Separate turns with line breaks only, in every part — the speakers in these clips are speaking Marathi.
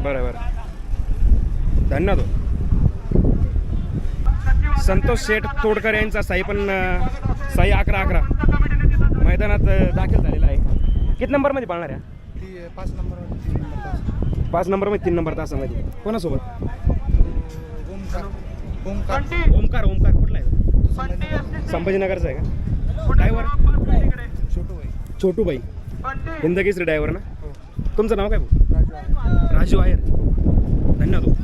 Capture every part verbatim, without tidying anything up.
बरं बरं धन्यवाद हो. संतोष शेठ तोडकर यांचा साई पण अं, साई अकरा अकरा मैदानात अं, दाखल झालेला आहे. किती नंबरमध्ये पाळणार आहे?
ती पाच नंबर तीन नंबर तास
पाच नंबरमध्ये तीन नंबर तासामध्ये कोणासोबत?
ओमकार ओमकार
ओमकार ओमकार कुठला आहे? संभाजीनगरचा आहे का? ड्रायव्हर
छोटू भाई
छोटूबाई हिंदकेसरी ड्रायव्हर ना.
हो
तुमचं नाव काय भाऊ?
राजू आहे.
राजू आहेर धन्यवाद हो.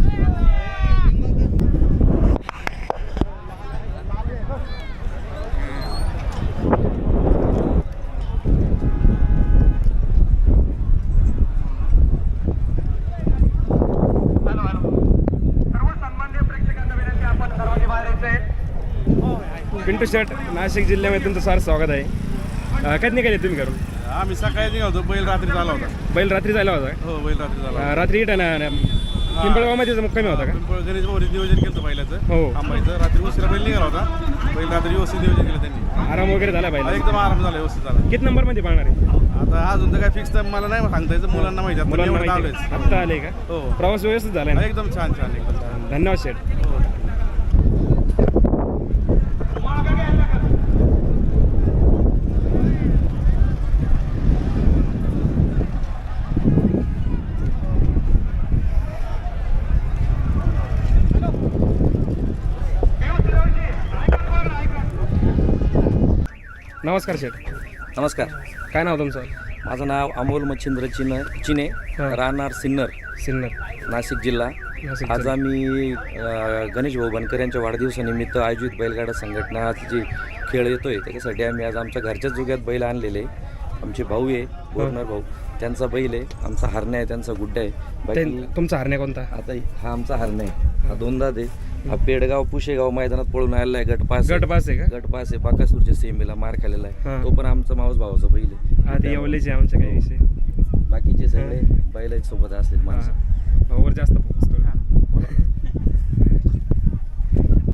पिंटू शेट नाशिक जिल्ह्यामध्ये तुमचं सार स्वागत आहे. अं, कधी निघाले तुम्ही घरून?
आम्ही सकाळी निघालो बैल रात्री झाला होता.
बैल रात्री जायला होता का?
हो बैल रात्री झाला
अं, रात्री इथं ना ना- पिंपळगावमध्ये मुक्कामी होता का?
पिंपळ गणेश भाऊनी नियोजन केलं बैलाचं
हो.
आंबाईचं. रात्री उशिरा बैल निघाला होता. बैल रात्री व्यवस्थित नियोजन केलं त्यांनी.
आराम वगैरे झाला
हा,
पाहिजे.
एकदम आराम झाला व्यवस्थित झाला.
किती नंबरमध्ये पाळणार आहे?
आता अजून तर काय फिक्स तर मला नाही सांगता यायचं. मुलांना माहिती आहे.
मुलांना
मुलांना
माहिती आहे. आत्ता आले का?
हो
प्रवास व्यवस्थित झाला
हा,
ना?
एकदम छान छान एकदम छान.
धन्यवाद शेठ.
हो.
नमस्कार शेठ.
नमस्कार.
काय नाव तुमचं?
माझं नाव अमोल मच्छिंद्र चिन चिने
हा.
राहणार सिन्नर
सिन्नर
नाशिक जिल्हा.
नाशिक
आज
जिल्हा.
आम्ही अ, गणेश भाऊ बनकर यांच्या वाढदिवसानिमित्त आयोजित बैलगाडा संघटनाची जी खेळ येतोय त्याच्यासाठी आम्ही आज आमच्या घरच्याच जोग्यात बैल आणलेले. आमचे भाऊ आहे बोरनर भाऊ, त्यांचा बैल आहे. आमचा हरण्या आहे, त्यांचा गुड्डा आहे. बाकी
ते- तुमचा हरण्या कोणता?
आता हा आमचा हरण्या आहे, हा दोनदा दे. हा पेडगाव पुशेगाव मैदानात पळून आलेला आहे. गटपास
गट पास आहे का?
गटपास आहे. बाकासूरच्या सेमीला मार खाल्लेला आहे.
हा.
तो पण आमचा मावस भावाचा बैल आहे.
हा ते येवलेचे आमच्या काही विषय.
बाकीचे सगळे बैलाच्या सोबत असलेत माणसं.
भाऊवर जास्त फोकस